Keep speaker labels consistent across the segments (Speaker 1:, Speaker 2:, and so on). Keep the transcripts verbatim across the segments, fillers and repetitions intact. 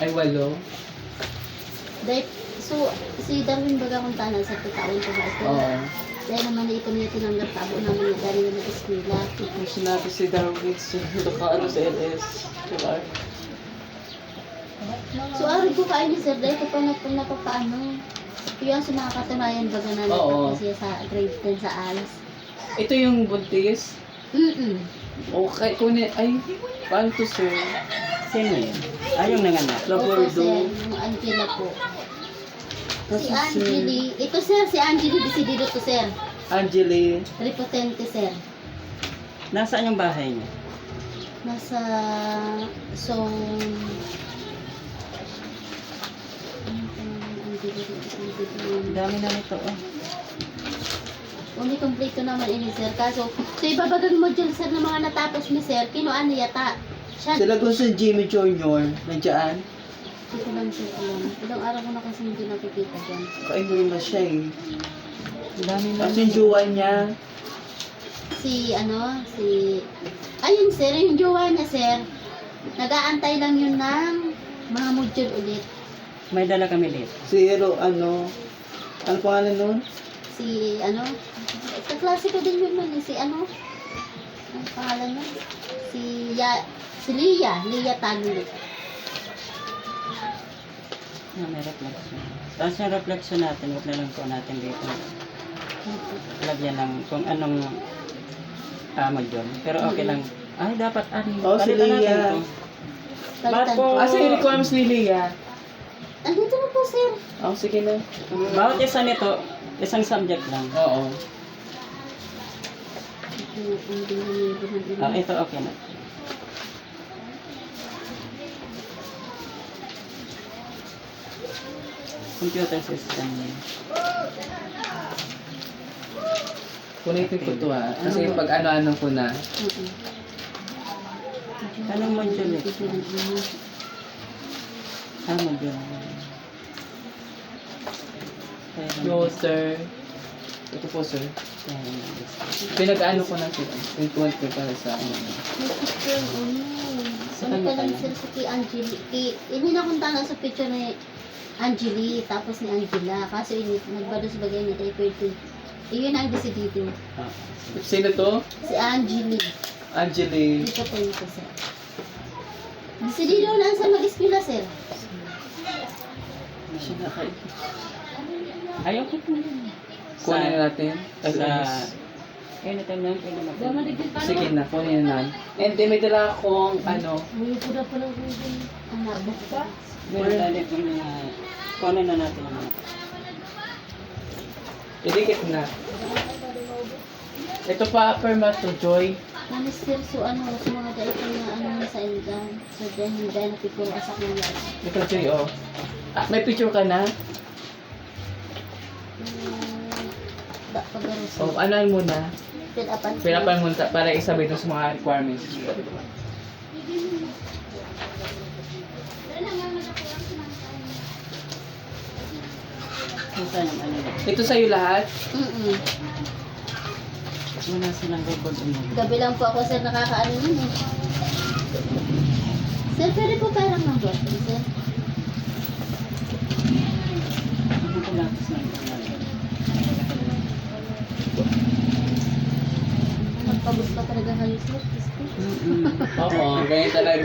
Speaker 1: Ay, walo.
Speaker 2: Dahil, so, si Darwin baga kung tanan sa taon ko sa eskwela.
Speaker 1: Oo.
Speaker 2: Dahil naman na ito niya tinanggap tabo namin na galing na eskwela.
Speaker 1: Kung sinabi si Darwin, so, naka-ano sa L S. Diba?
Speaker 2: So, araw ko kayo ni Sir, dahil ko pa na, napapaano. Yung sa mga katunayan baga na
Speaker 1: Oo.
Speaker 2: nagpapasya sa grade ten sa A L S.
Speaker 1: Ito yung buntis.
Speaker 2: Mm-mm.
Speaker 1: Okay, kunin, ay, paano to, sir?
Speaker 3: Sino yun? Ay, yung nanganak.
Speaker 2: Opo,
Speaker 1: Labordo.
Speaker 2: Sir, yung Angela po.
Speaker 1: Kasi,
Speaker 2: Si
Speaker 1: sir,
Speaker 2: Angeli, ito Sir, si Angeli Decidido to Sir.
Speaker 1: Angeli.
Speaker 2: Repotente Sir.
Speaker 3: Nasaan yung bahay niya?
Speaker 2: Nasa song... Ano pa naman ang Angeli Decidido?
Speaker 3: Ang dami na nito, oh.
Speaker 2: Umi kompleto naman ini Sir. Kaso, so ibabagang module Sir ng mga natapos ni Sir, kinuan niya yata. Siya,
Speaker 1: Sila ko sa Jimmy Junior Nandiyan.
Speaker 2: hindi ko lang Sir alam. Ilang araw ko na kasi hindi nakikita dyan.
Speaker 1: Kainin na siya eh.
Speaker 3: Ang dami na.
Speaker 1: Tapos yung jowa niya.
Speaker 2: Si ano, si... Ayun Sir, yung jowa niya Sir. Nag-aantay lang yun ng mga module ulit.
Speaker 3: May dala kami dito.
Speaker 1: Si Hero, ano. Ano pangalan nun?
Speaker 2: Si ano, kaklase ko din yun nun, eh, si ano, ang pangalan nun? Si Ya, si Lia, Lia Tagulo.
Speaker 3: Na may reflection. Tapos yung reflection natin, huwag na lang po natin dito. Lagyan ng kung anong uh, module. Pero okay lang. Ay, dapat ano.
Speaker 1: Oh, si
Speaker 3: palitan natin
Speaker 1: Lia.
Speaker 3: to.
Speaker 2: Palitan
Speaker 3: po?
Speaker 2: ko.
Speaker 1: Asa yung requirements ni Leah?
Speaker 2: Andito na po, sir.
Speaker 1: Oh, sige na.
Speaker 3: Bawat isa nito, isang subject lang.
Speaker 1: Oo.
Speaker 3: Ah, ito okay na. Computer system.
Speaker 1: Punitin ko to ha. Kasi pag ano-ano ko na.
Speaker 3: Anong module ito? Ah, module.
Speaker 1: No, sir. Ito po, sir. Pinag-ano ko na sila. Pinag-tuwan ko para sa ano.
Speaker 2: Ano pa lang sir sa kay Angeli. Kay, ini nakunta na sa picture ni Angeli, tapos ni Angela. Kaso ini, nagbados bagay niya tayo pwede. Iyon ang decidido.
Speaker 3: Ah,
Speaker 1: Sino to?
Speaker 2: Si Angeli.
Speaker 1: Angeli.
Speaker 2: Dito po ito sir. Decidido lang sa mag-eskwela sir.
Speaker 1: Siya na kayo.
Speaker 3: ayaw ko po.
Speaker 1: Kunin natin. Ay,
Speaker 3: Sa...
Speaker 1: ayos.
Speaker 3: Anytime lang, pwede mag-
Speaker 1: Sige na, kunin na. And then may dala akong ano.
Speaker 2: May pula pala ko din. Ang nabok pa.
Speaker 3: Meron tayo dito mga... Kunin na natin ang mga...
Speaker 1: Idikit na. Ito pa, perma to Joy.
Speaker 2: Manister, so ano, sa mga dait na ano sa Elgan. So dahil dahil napipuro asak ng lahat.
Speaker 1: Ito Joy, oh. Ah, may picture ka na?
Speaker 2: Da, pag-aros.
Speaker 1: Oh, ano muna?
Speaker 2: Fill up and
Speaker 1: Pinapan mo ta- para isabay dun sa mga requirements.
Speaker 3: Kung saan yung ano yun.
Speaker 1: Ito sa'yo lahat?
Speaker 2: Mm-mm.
Speaker 3: Wala silang record ano.
Speaker 2: Gabi lang po ako sir nakakaano nun eh. Sir, pwede po parang ng bottle, sir.
Speaker 3: Hindi ko lang sa ano.
Speaker 2: Nagpabot pa talaga kayo, sir. Diyos ko.
Speaker 3: Mm-mm.
Speaker 1: Oo, ganyan talaga.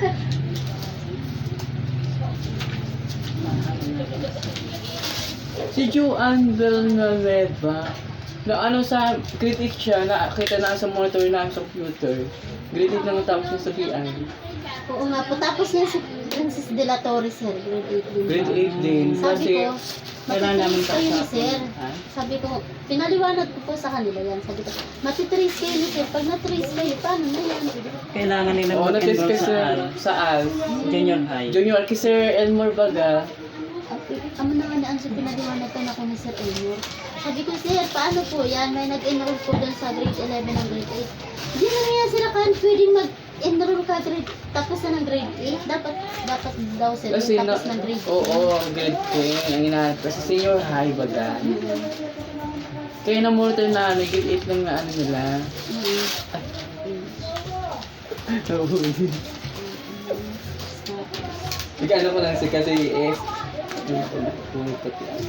Speaker 1: Si Joanne Villanueva, na ano sa grade eight siya, nakita na sa monitor na sa computer. Grade eight lang ang tapos niya sa B I.
Speaker 2: Oo nga po. Tapos yan si Princess De La Torre, sir. Grade eight din.
Speaker 1: Grade eight din.
Speaker 2: Sabi
Speaker 1: Kasi,
Speaker 2: ko,
Speaker 3: Kailangan namin
Speaker 2: matitrace kayo ni
Speaker 3: kausapin.
Speaker 2: sir.
Speaker 3: Ha?
Speaker 2: Sabi ko, pinaliwanag ko po sa kanila yan. Sabi ko, matitrace kayo ni sir. Pag natrace kayo, paano na yan?
Speaker 3: Kailangan nila
Speaker 1: oo, nag-test
Speaker 3: mag-enroll
Speaker 1: kasi
Speaker 3: sa A L.
Speaker 1: sa A L.
Speaker 3: Junior high.
Speaker 1: Junior kay Sir Elmore Baga.
Speaker 2: Amo naman na ang pinaliwanag ko na ko ni Sir Elmore. Sabi ko, sir, paano po yan? May nag-enroll po doon sa grade eleven ng grade eight. Hindi na nga sila kan pwedeng mag-enroll ka grade tapos na ng grade eight. Dapat, dapat daw sir,
Speaker 1: Kasi
Speaker 2: yung
Speaker 1: na,
Speaker 2: tapos ng grade
Speaker 1: oo, grade ten. Ang hinahanap kasi senior high baga. Kaya na monitor na ano, grade eight lang na ano nila.
Speaker 2: Mm.
Speaker 1: Nahuli. Bigyan ano ko lang si kasi eh. Pumipot yan.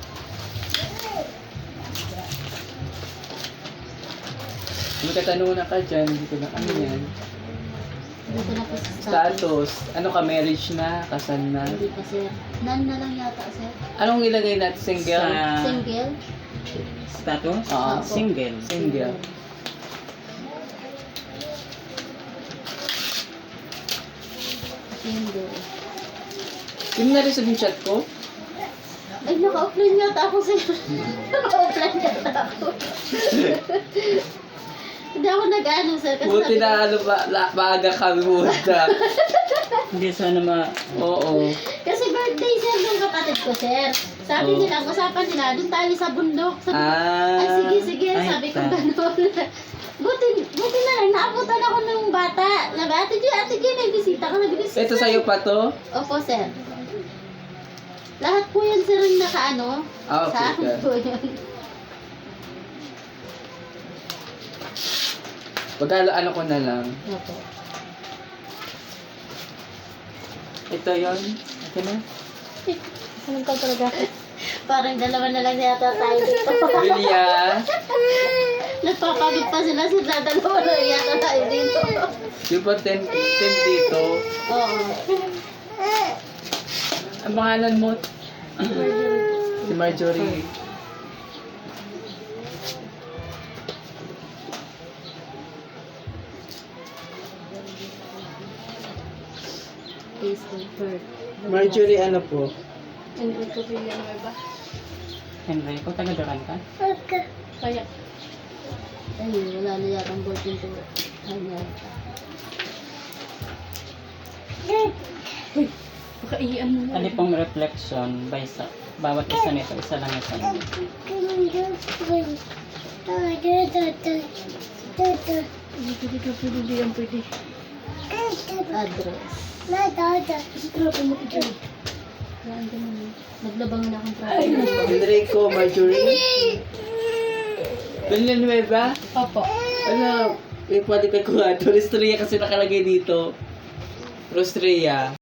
Speaker 1: May katanungan na ka dyan, hindi ko na ano yan.
Speaker 2: Dito na po sa status.
Speaker 1: Status, ano ka, marriage na, kasal na?
Speaker 2: Hindi pa sir. Nan na lang yata sir.
Speaker 1: Anong ilagay natin, single?
Speaker 3: Sa
Speaker 2: Single?
Speaker 3: status?
Speaker 1: Oo.
Speaker 3: Single.
Speaker 1: Single.
Speaker 2: Single.
Speaker 1: Yung na-receive yung chat ko?
Speaker 2: Ay, naka-offline yata ako sir. Naka-offline yata ako. Hindi ako nag-ano sir. Kasi
Speaker 1: Buti
Speaker 2: sabi ko-
Speaker 1: na ano ba, la, maaga kami punta.
Speaker 3: Hindi sana ma...
Speaker 1: Oo.
Speaker 2: Kasi birthday sir ng kapatid ko sir. Sabi
Speaker 1: Oh.
Speaker 2: nila, ang usapan nila, doon tayo sa bundok. Sabi ko,
Speaker 1: Ah.
Speaker 2: ay sige, sige,
Speaker 3: Ay,
Speaker 2: sabi ko
Speaker 3: ta-
Speaker 2: gano'n. buti, buti na lang, naabutan ako ng bata. Sabi, ate G, ate G, may bisita ka. Sabi ko,
Speaker 1: Ito sa'yo pa to?
Speaker 2: Opo sir. Lahat po yan sir ang nakaano.
Speaker 1: Ah, okay,
Speaker 2: Sa akin
Speaker 1: sir.
Speaker 2: po yun.
Speaker 1: Pagkalo ano ko na lang.
Speaker 2: Opo.
Speaker 1: Ito yon. Ito na.
Speaker 2: Anong ka talaga? Parang dalawa na lang yata tayo dito.
Speaker 1: Julia.
Speaker 2: Nagpapagod pa sila sila dalawa na yata tayo dito.
Speaker 1: Yung pa ten, ten dito.
Speaker 2: Oo.
Speaker 1: Ang pangalan mo? Si Marjorie.
Speaker 2: Face and bird.
Speaker 1: Marjorie ano po?
Speaker 2: Enrico Villanueva.
Speaker 3: Henry, kung taga-duran ka?
Speaker 2: Kaya. Ayun, wala na yata ang boyfriend ko. Ayun. Uy, baka iyan mo
Speaker 3: Ano pong reflection by sa bawat isa nito, isa lang isa lang.
Speaker 2: Pwede, pwede, pwede, pwede, yan, pwede. Address. Grabe mo ito. Yan, ganun. Naglabang na akong trapo.
Speaker 1: Enrico, Marjorie. Villanueva?
Speaker 2: Opo.
Speaker 1: Ano? Yung pwede ka kuha. Rostria kasi nakalagay dito. Rostria.